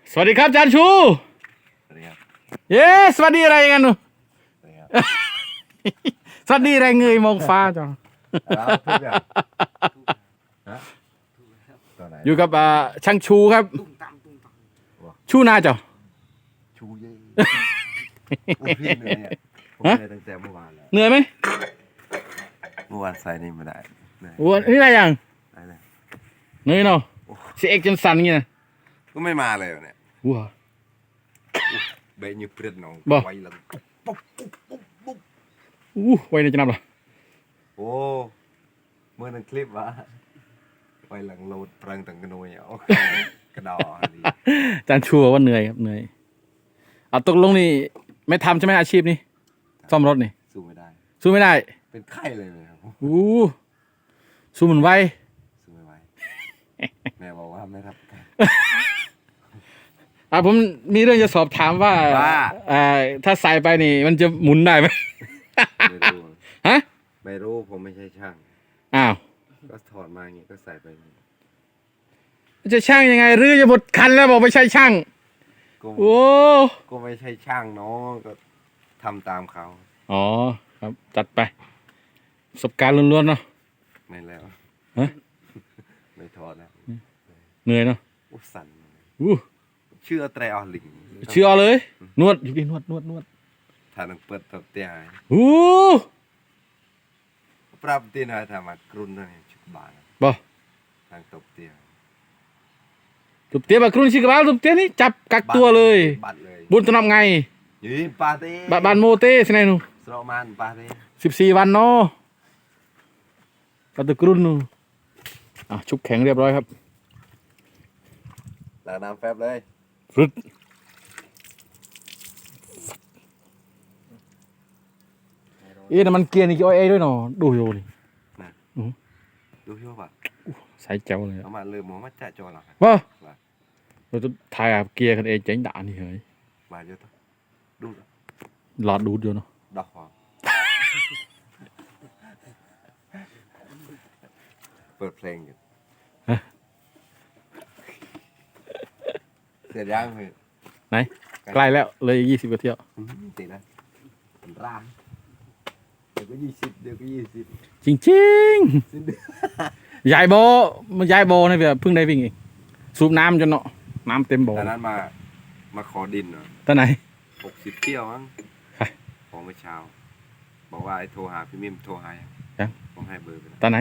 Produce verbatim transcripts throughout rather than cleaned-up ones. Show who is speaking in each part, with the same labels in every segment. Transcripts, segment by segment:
Speaker 1: สวัสดีครับอาจารย์ชู
Speaker 2: สวัสดีครับ
Speaker 1: เย้สวัสดีอะไรกันหนูสวัสดีอะไรเงยมองฟ้าจ้ะอยู่กับช่างชูครับชูนาจ้ะ
Speaker 2: ชูเย่พี่เหนื่อยอ่ะผมเหนื่อยตั้งแต่เมื่อวานแล้ว
Speaker 1: เหนื่อยไหม
Speaker 2: เมื่อวานใส่นี่ไม่ได้
Speaker 1: วันนี้อะไรยัง
Speaker 2: ได้เลย
Speaker 1: เหนื่อยเนาะเสียเอกจนสั่นเงี้ย
Speaker 2: ก็ไม่มาเลยเนี่ย
Speaker 1: ว้า
Speaker 2: เบย์ยูเปรี้ยน้องไวหลังปุ๊บปุ๊บปุ๊บปุ๊บ
Speaker 1: อู้ไวในจะนับหรอ
Speaker 2: โอ้เมื่อนั้นคลิปวะไวหลังโหลดเปลืองตั้งกระโนยอ่ะกระดอดี
Speaker 1: อาจารย์ชูว่าเหนื่อยครับเหนื่อยเอาตกลงนี่ไม่ทำใช่ไหมอาชีพนี้ซ่อมรถนี่
Speaker 2: สู้ไม่ได้
Speaker 1: สู้ไม่ได้
Speaker 2: เป็นไข้เลยครับ
Speaker 1: อู้สู้เหมือนไว
Speaker 2: สู้ไม่ไหวแม่บอกว่าไม่รับ
Speaker 1: อ่าผมมีเรื่องจะสอบถามว่าอ่าถ้าใส่ไปนี่มันจะหมุนได้ไหม
Speaker 2: ไม่รู้
Speaker 1: ฮะ
Speaker 2: ไม่รู้ผมไม่ใช่ช่าง
Speaker 1: อ้าว
Speaker 2: ก็ถอดมาอย่างงี้ก็ใส่ไป
Speaker 1: จะช่างยังไงหรือจะหมดคันแล้วบอกไม่ใช่ช่างโอ้
Speaker 2: ก็ไม่ใช่ช่างเนาะก็ทำตามเขา
Speaker 1: อ๋อครับจัดไปประสบการณ์ล้วนๆเนาะ
Speaker 2: ไม่แล้ว
Speaker 1: ฮะ
Speaker 2: ไม่ถอดแล้ว
Speaker 1: เหนื่อยเนาะ
Speaker 2: อู้สั่น
Speaker 1: อู้
Speaker 2: เชื่อไตรออลิง
Speaker 1: เชื่อเลยนวดอยู่ดินวดนวดนวด
Speaker 2: ถ้านังเปิดตบเตี้ย
Speaker 1: อู้
Speaker 2: ปรับตีนอะไรทำมากรุนนั่นชุบบาน
Speaker 1: บ่
Speaker 2: ทางตบเตี้ย
Speaker 1: ตบเตี้ยแบบกรุนชิกบ้าตบเตี้ยนี่จับกักตัวเลยบุญตนำไง
Speaker 2: ยี่ปาเต้
Speaker 1: บานโมเต้สิไหนหนู
Speaker 2: สโลมันปาเต้
Speaker 1: สิบสี่วันเนาะปัตตกรุนนูอ่ะชุบแข็งเรียบร้อยครับ
Speaker 2: ล้างน้ำแฟบเลย
Speaker 1: ฟรุดเอ๊ะน้ำมันเกียร์นี่กี่อ้อยเอ้ด้วยเนาะดูโยนี่
Speaker 2: นะดูชัวร์ป่ะ
Speaker 1: ใส่เจ้าเลย
Speaker 2: เอามาเลยหมูมาจ่าโจรหรอ
Speaker 1: บ่เราจะถ่ายเกียร์กันเองเจ๋งด่านี่เฮ้ย
Speaker 2: มาเยอะตัวดู
Speaker 1: หลอดดูดอยู่เนาะ
Speaker 2: ดอกหอมเปิดเพลงอยู่เสร็จยังเพื่อน
Speaker 1: ไหนใกล้แล้วเลยยี่สิบกว่าเที่ยว
Speaker 2: ติดแล้วร่างเดี๋ยวก็ยี่สิบเดี๋ยวก็ยี่สิบ
Speaker 1: จริงจริงยายโบมันยายโบนี่แบบเพิ่งได้วิ่งเองสูบน้ำจนเนาะน้ำเต็มบ่อ
Speaker 2: ตอนนั้นมามาขอดินเหรอ
Speaker 1: ตอนไหน
Speaker 2: หกสิบเที่ยวมั้งของเมื่อเช้าบอกว่าไอ้โทรหาพี่มิมโทรหาผมให้เบอร์ไป
Speaker 1: ตอนไหน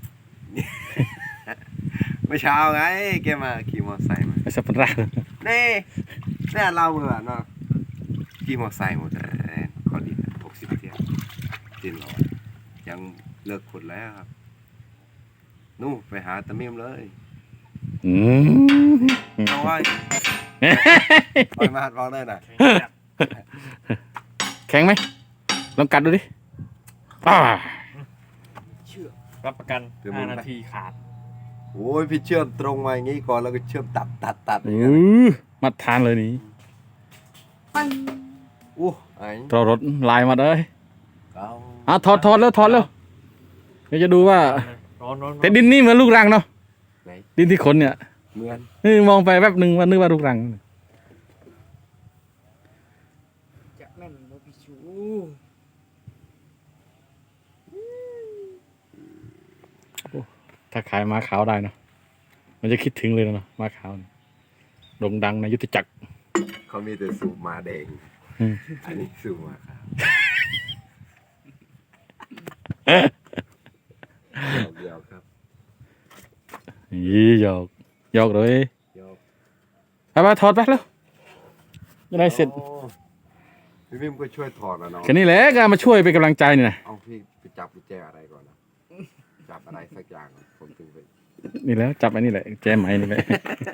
Speaker 2: เมื่อเช้าไงแกมาขี่มอเตอร์ไซค์มา
Speaker 1: ไอ้สับปะรด
Speaker 2: นี่นี่เราเมื่อเนาะขี่มอเตอร์ไซค์หมดขอดินหกสิบเที่ยวดินเรายังเลิกขุดแล้วครับนู่ไปหาตะมิมเลย
Speaker 1: อืม
Speaker 2: เอาไว้ปล่อยมาหัดมองได้หน่อย
Speaker 1: แข็งไหมลองกัดดูดิอ่า
Speaker 3: เชื่อรับประกันห้านาทีขาด
Speaker 2: โอ้ยพี่เชื่อมตรงมาอย่างงี้ก่อนแล้วก็เชื่อมตัดตัดตัด
Speaker 1: อือมาทานเลยนี่
Speaker 2: อู้ไอ้
Speaker 1: ตัวรถลายมาเลยอ่ะถอดถอดแล้วถอดแล้วเดี๋ยวจะดูว่าแต่ดินนี่เหมือนลูกรังเนาะดินที่ขนเนี่ย
Speaker 2: เหมือน
Speaker 1: นี่มองไปแป๊บหนึ่งว่านึกว่าลูกรัง
Speaker 3: จะแม่นโมบิชู
Speaker 1: ถ้าขายม้าขาวได้เนาะมันจะคิดถึงเลยเนาะม้าขาวโด่งดังในยุทธจักร
Speaker 2: เขามีแต่สูบมาแดงอันนี้สูบมาขาวหยอกครับ
Speaker 1: ยี่หยอกหยอกเลยไปมาถอดไปแล้วยังไงเสร็จ
Speaker 2: พี่พิมก็ช่วยถอดนะน้อง
Speaker 1: แค่นี้แหละก็มาช่วยเป็นกำลังใจนี่นะ
Speaker 2: เอาพี่ไปจับกุญแจอะไรก่อนนะจับอะไรสักอย่างผมถึงไป
Speaker 1: นี่แล้วจับอันนี้แหละแจไหมนี่แหละ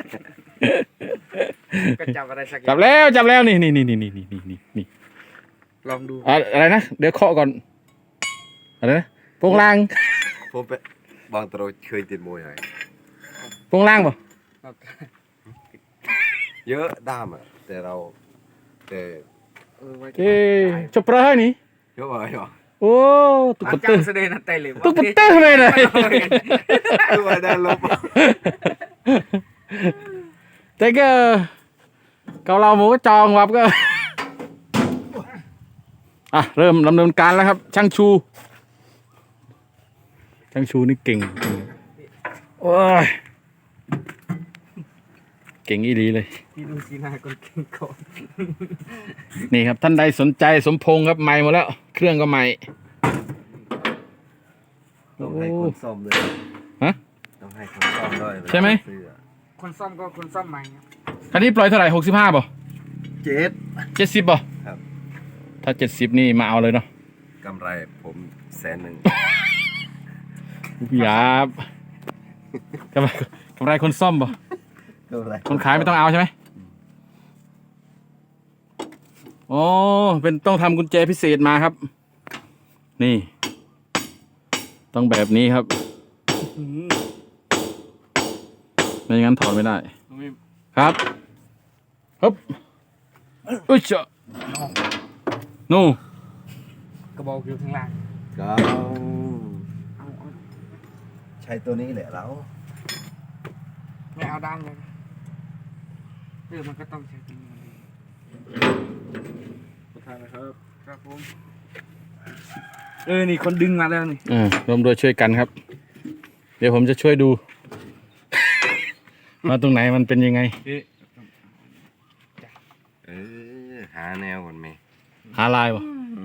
Speaker 3: ก็จับอะไรสักอย่าง
Speaker 1: จับแล้วจับแล้วนี่นี่นี่นี่นี่นี่นี่นี่
Speaker 3: ลองดู
Speaker 1: อะไรนะเดี๋ยวเคาะก่อนอะไรนะโปงล่าง
Speaker 2: ผมไปบางตรเคยติดมวยไหม
Speaker 1: โปงล่างป่ะ
Speaker 2: เยอะด้ามอ่ะแต่เราแต่
Speaker 1: เอ๊ะจบเปล่าให้นี่
Speaker 2: เยอะไปหรอ
Speaker 1: โอ้
Speaker 3: ตุ๊กตาแสดงนั่นไตเลย
Speaker 1: ตุ๊กตาทำไมเลย
Speaker 2: ตัวได้ลบ
Speaker 1: แต่ก็เกาเหลาหมูก็จองวับก็ อ่ะเริ่มดำเนินการแล้วครับ ช่างชู ช่างชูนี่เก่งโอ้ยเก่งอีหลีเลย
Speaker 3: พี่ดูสีหน้าคนเก่งก่อน
Speaker 1: นี่ครับท่านใดสนใจสมพงษ์ครับใหม่หมดแล้ว เครื่องก็ใหม่
Speaker 2: ต้องให้คนซ่อมเลย
Speaker 1: ฮะ
Speaker 2: ต้องให้คนซ่อมด้วย
Speaker 1: ใช่ไหม
Speaker 2: ซื้ออะ
Speaker 3: คนซ่อมก็คนซ่อมใหม่
Speaker 1: คันนี้ปล่อยเท่าไหร่หกสิบห้าป่ะ
Speaker 2: เจ็ด
Speaker 1: เจ็ดสิบป่ะ
Speaker 2: ครับ
Speaker 1: ถ้าเจ็ดสิบนี่มาเอาเลยเนาะ
Speaker 2: กำไรผมแสนหนึ่ง
Speaker 1: หยาบกำไรกำไรคนซ่อมป่ะ
Speaker 2: กำไร
Speaker 1: คนขายไม่ต้องเอาใช่ไหมอ๋อเป็นต้องทำกุญแจพิเศษมาครับ นี่ ต้องแบบนี้ครับไม่งั้นถอดไม่ได้ ครับฮึบอุ้ยเจ้านู่
Speaker 3: กระบอกอยู่ข้างล่าง
Speaker 2: ก็
Speaker 3: เอาเอา
Speaker 2: ใช้ตัวนี้แหละเรา
Speaker 3: ไม่เอาด้านเลยเออมันก็ต้องใช้ตัวนี้มันดีประธานนะครับครับผมเออนี่คนดึงมาแล้วนี่
Speaker 1: อ่าร่วมด้วยช่วยกันครับ เดี๋ยวผมจะช่วยดู ว่าตรงไหนมันเป็นยังไง
Speaker 2: เออหาแนวก่อนไหม
Speaker 1: หาลายวะ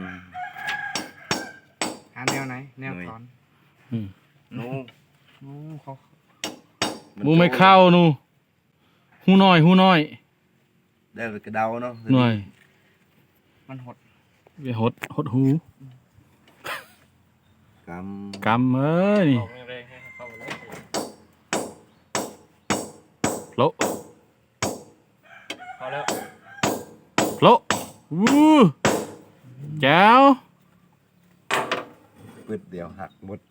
Speaker 3: หาแนวไหนแนวถอน
Speaker 1: อืม
Speaker 2: นู
Speaker 3: โอ้เขา
Speaker 1: มูไม่เข้านูหูน้อยหูน้อย
Speaker 2: ได้ไปกระเดาเนาะ
Speaker 1: หน่อย
Speaker 3: มันหด
Speaker 1: ไปหดหดหู
Speaker 2: ก
Speaker 1: กำเอ้ยนี่
Speaker 3: บอกแรงๆให้เข้าไปเลย
Speaker 1: โละ
Speaker 3: พอแล้ว
Speaker 1: โละวู้แจ๋ว
Speaker 2: ำปืดเดียวหักหมด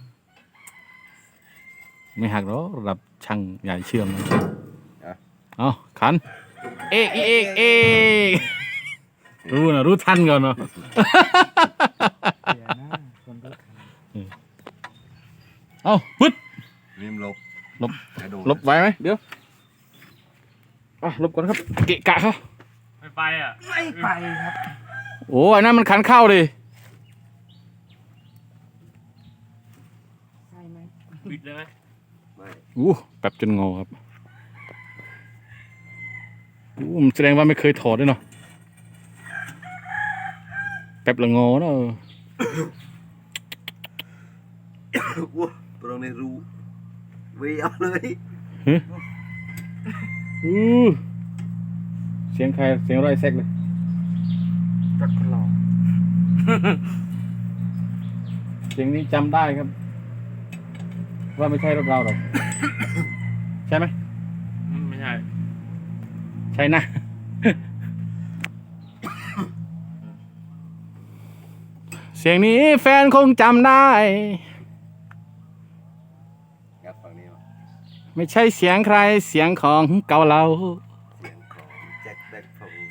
Speaker 1: ไม่หักหรอกระดับช่างใหญ่เชื่อมนะเอาขัน เอกอีเอกเอกรู้นะรู้ทันก่อนเนาะ
Speaker 3: เดี๋ยวนะคนรู้ทัน
Speaker 1: เอาปึ๊ด
Speaker 2: ริมลบ
Speaker 1: ลบ
Speaker 2: กระโดด
Speaker 1: ลบไว้ไหมเดี๋ยวอ่ะลบก่อนครับ เกะกะเขา
Speaker 3: ไม่ไปอ่ะไม่ไปครับ
Speaker 1: โอ้ยนั่นมันขันเข้าดิ
Speaker 3: ใช่ไหมปิดเลยไหม
Speaker 2: ไม่
Speaker 1: อู้แป๊บจนงอครับอู้มันแสดงว่าไม่เคยถอดด้วยเนาะแป๊บละงอเนาะ
Speaker 2: ว้าตรงนี้รู้วีเอาเลย
Speaker 1: อู้เสียงใครเสียงไรแซกเลย
Speaker 3: รถคนหล่อ
Speaker 1: เสียงนี้จำได้ครับ ว่าไม่ใช่รถเราหรอก ใช่ไหม
Speaker 3: ไม่ใช่
Speaker 1: ใช่นะ เสียงนี้แฟนคงจำได้
Speaker 2: งัดฝั่งนี้มา
Speaker 1: ไม่ใช่เสียงใครเสียงของเก่าเรา
Speaker 2: เสียงของแจ็คแบ็คโฟร์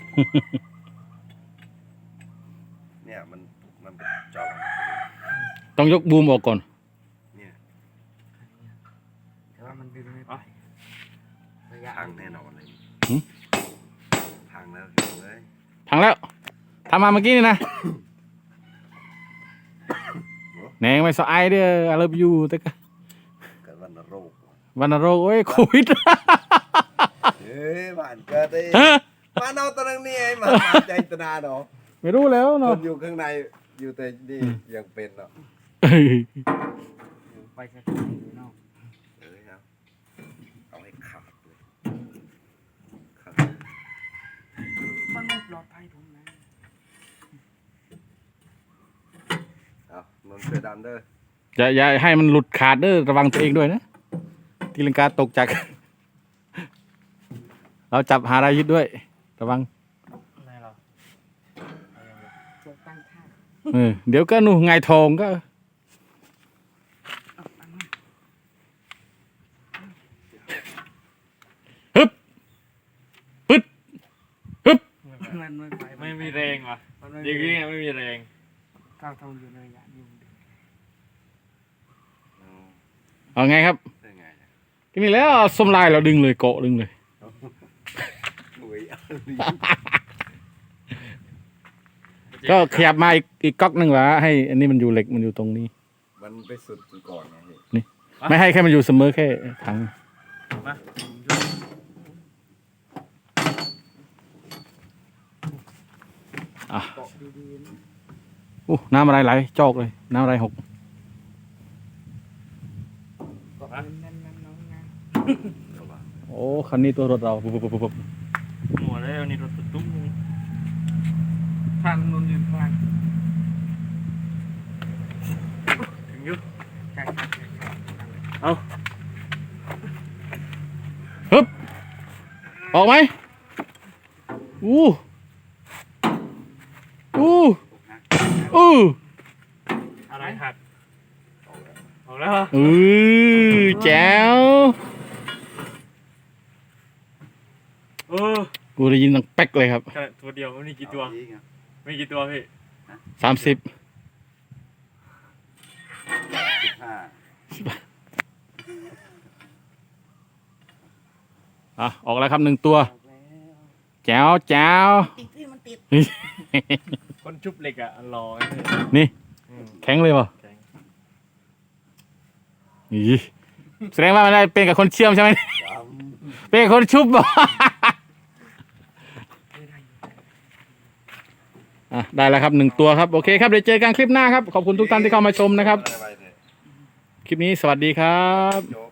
Speaker 2: เนี่ยมันมันเป็นจอ
Speaker 1: ต้องยกบูมออกก่อน
Speaker 2: เนี่ย
Speaker 3: แต่ว่ามันดึงไม่ไประยะ
Speaker 2: พังแน่นอนเลย
Speaker 1: หึ
Speaker 2: พังแล้วเลย
Speaker 1: พังแล้วทำมาเมื่อกี้นี่นะ แหนงไม่สไอเด้อ I love you แต่ก็
Speaker 2: เกิดวันโรค
Speaker 1: วันโรคโอ้ยโควิด
Speaker 2: เฮ้ยบ้านเกิดได้
Speaker 1: ฮะ
Speaker 2: บ้านเอาตอนนั้นนี่ไอ้มาใจตนาเนาะ
Speaker 1: ไม่รู้แล้ว
Speaker 2: ค
Speaker 1: เนาะ
Speaker 2: นอยู่ข้างในอยู่แต่นี่ยังเป็นเนาะ
Speaker 3: ไปแค่ไหนอยู่นอก
Speaker 2: เออครับเอาให้ขาดเลยขาด
Speaker 3: มันไม่ปลอดภัยตรงนั้น
Speaker 2: เอานนท์เสือดำเด้อ
Speaker 1: อย่าอย่าให้มันหลุดขาดเด้อระวังตัวเองด้วยนะตีลังกาตกจาก เราจับหาอะไรยึดด้วย ระวัง
Speaker 3: อะไรหรอจะตั้งท่า
Speaker 1: เออเดี๋ยวก็นู่นไงทองก็ ฮึบปึ๊ดฮึบ
Speaker 3: มันไม่ไป
Speaker 4: ไม่มีแรงว่ะ
Speaker 3: มันไม่
Speaker 4: อย่าง
Speaker 3: มี
Speaker 4: นี้ไม่มีแรง
Speaker 3: ก้าวเท่าอยู่ในระยะนี้
Speaker 1: เอาไงครับ
Speaker 2: ได้ไงเนี่ย
Speaker 1: ทีนี้แล้วสมลายเราดึงเลยเกาะดึงเลย
Speaker 2: อุ้ย
Speaker 1: ก็ขยับมาอีกอีกก๊อกหนึ่งวะให้อันนี้มันอยู่เหล็กมันอยู่ตรงนี้
Speaker 2: มันไปสุดก่อนไงพี่
Speaker 1: ไม่ให้แค่มันอยู่เสมอแค่ถัง
Speaker 4: มา
Speaker 1: อ่ะ
Speaker 3: เกาะดีๆนะ
Speaker 1: อู้น้ำอะไรไหลจอกเลยน้ำอะไรหก
Speaker 3: เกาะแน่นๆน้องนะ
Speaker 1: โอ้คันนี้ตัวรถเราปุ๊บปุ๊บปุ๊บปุ๊บ
Speaker 4: หมดแล้วนี่รถตุ้ม
Speaker 3: ทางนนยืนทาง
Speaker 4: ถึงยุ
Speaker 3: ใช่ใช่ใช่ใช่
Speaker 4: เอา
Speaker 1: ฮึบออกไหมอู้อู้อู้
Speaker 4: อะไรหักออกแล้วเหรอ
Speaker 1: อือแจ๋ว
Speaker 4: เออ
Speaker 1: กูได้ยินดังแป๊กเลยครับ
Speaker 4: แค่ตัวเดียวมันมีกี่ตัวมีกี่ตัวพี่
Speaker 1: สามสิบ
Speaker 2: สิบห้า
Speaker 1: อ่ะออกแล้วครับหนึ่งตัว
Speaker 3: ออกแล้ว
Speaker 1: แจ๋วแจ๋ว
Speaker 3: ติดที่มันติด
Speaker 4: คนชุบเหล็กอ่ะรอ
Speaker 1: นี่
Speaker 4: อืม
Speaker 1: แข็งเลยป่ะ
Speaker 4: แข็ง
Speaker 1: อีแสดงว่ามันได้เป็นกับคนเชื่อมใช่ไหมเป็นกับคนชุบบ่อ่ะได้แล้วครับหนึ่งตัวครับโอเคครับเดี๋ยวเจอกันคลิปหน้าครับขอบคุณทุกท่านที่เข้ามาชมนะครับ
Speaker 2: ไปเถอะ
Speaker 1: คลิปนี้สวัสดีครับ
Speaker 2: โจ๊ก